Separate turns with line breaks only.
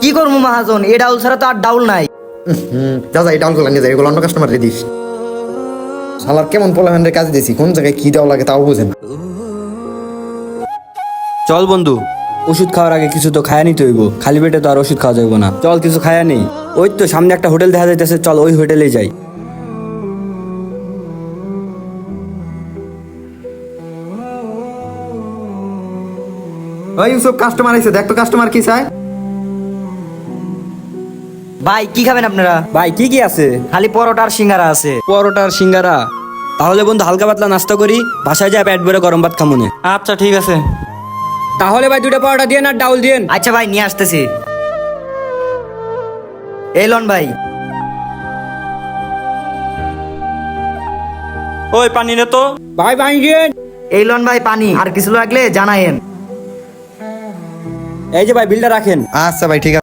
কি করবো মহাজন, এ ডাউল ছাড়া তো আর ডাউল নাই।
যা যা, এই ডাউলগুলো নিয়ে যাই, এগুলো অন্য কাস্টমার দিস। শালার কেমন পোলাপানের কাজ দিছি, কোন জায়গায় কি দেওয়া লাগে তাও বোঝে না।
চল বন্ধু, ওষুধ খাওয়ার আগে কিছু তো খায়া নিতে হইব, খালি পেটে তো আর ওষুধ খাওয়া যাইব না। চল কিছু খায়া নেই। ওই তো সামনে একটা হোটেল দেখা যাইতেছে, চল ওই হোটেলে যাই।
ওই ইউসুফ, কাস্টমার আইছে, দেখ তো কাস্টমার কি চায়।
ভাই কি খাবেন আপনারা?
ভাই কি কি আছে?
খালি পরোটা আর সিঙ্গারা আছে।
পরোটার সিঙ্গারা? তাহলে বন্ধু হালকা পাতলা নাস্তা করি, বাসায় যা পেট ভরে গরম ভাত খামুনে।
আচ্ছা ঠিক আছে।
তাহলে ভাই দুটো পরোটা দিয়ে আর ডাউল দিয়েন।
আচ্ছা ভাই, নিয়ে আসতেছি। এই লন ভাই।
ওই পানি নে তো।
ভাই পানি দিয়েন।
এই লন ভাই পানি, আর কিছু লাগলে জানায়েন।
এই যে ভাই বিলটা রাখেন।
আচ্ছা ভাই, ঠিক আছে।